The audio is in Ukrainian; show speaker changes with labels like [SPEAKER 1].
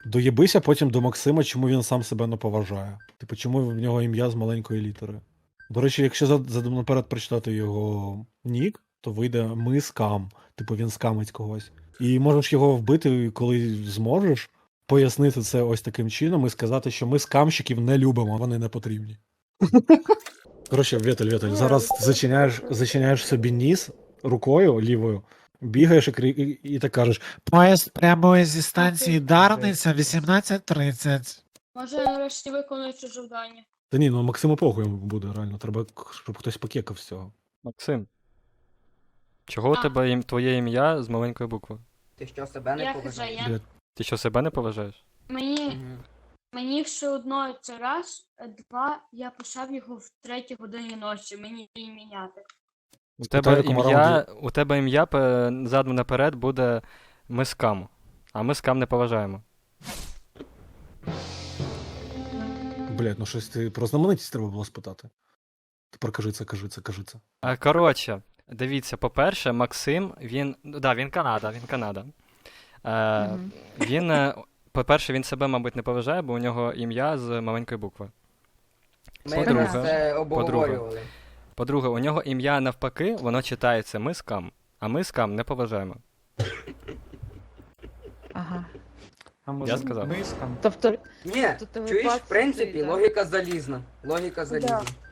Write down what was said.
[SPEAKER 1] Доєбися потім до Максима, чому він сам себе не поважає. Типу, чому в нього ім'я з маленької літери. До речі, якщо наперед прочитати його нік, то вийде ми скам. Типу він скамить когось. І можеш його вбити, коли зможеш, пояснити це ось таким чином і сказати, що ми скамщиків не любимо, вони не потрібні. Коротше, Вєтель, зараз зачиняєш собі ніс рукою лівою, бігаєш і так кажеш:
[SPEAKER 2] Поїзд прямує зі станції Дарниця 18:30.
[SPEAKER 3] Може, я нарешті виконую це завдання.
[SPEAKER 1] та ні, ну Максиму похуй буде, реально. Треба, щоб хтось покекав з цього.
[SPEAKER 4] Максим. Чого у тебе твоє ім'я з маленької букви?
[SPEAKER 5] Ти що, себе не
[SPEAKER 3] Я
[SPEAKER 5] поважаєш?
[SPEAKER 3] хз,
[SPEAKER 1] Блядь,
[SPEAKER 4] Ти що, себе не поважаєш?
[SPEAKER 3] Мені все одно це раз, два, я писав його в 3 годині ночі, мені її міняти.
[SPEAKER 1] Спитай, в якому
[SPEAKER 4] У тебе ім'я задом наперед буде ми скам. А ми скам не поважаємо.
[SPEAKER 1] блядь, ну щось ти про знаменитість треба було спитати. Тепер кажи це.
[SPEAKER 4] Коротше, дивіться, по-перше, Максим, він Канада. Він, по-перше, він себе, мабуть, не поважає, бо у нього ім'я з маленької букви.
[SPEAKER 5] Ми це обговорювали.
[SPEAKER 4] По-друге, у нього ім'я навпаки, воно читається ми скам, а ми скам не поважаємо.
[SPEAKER 6] Ага.
[SPEAKER 4] Я сказав.
[SPEAKER 6] Тобто,
[SPEAKER 5] Ні,
[SPEAKER 6] Тут
[SPEAKER 5] чуєш, в
[SPEAKER 6] випадки,
[SPEAKER 5] принципі,
[SPEAKER 6] да.
[SPEAKER 5] логіка залізна. Логіка залізна.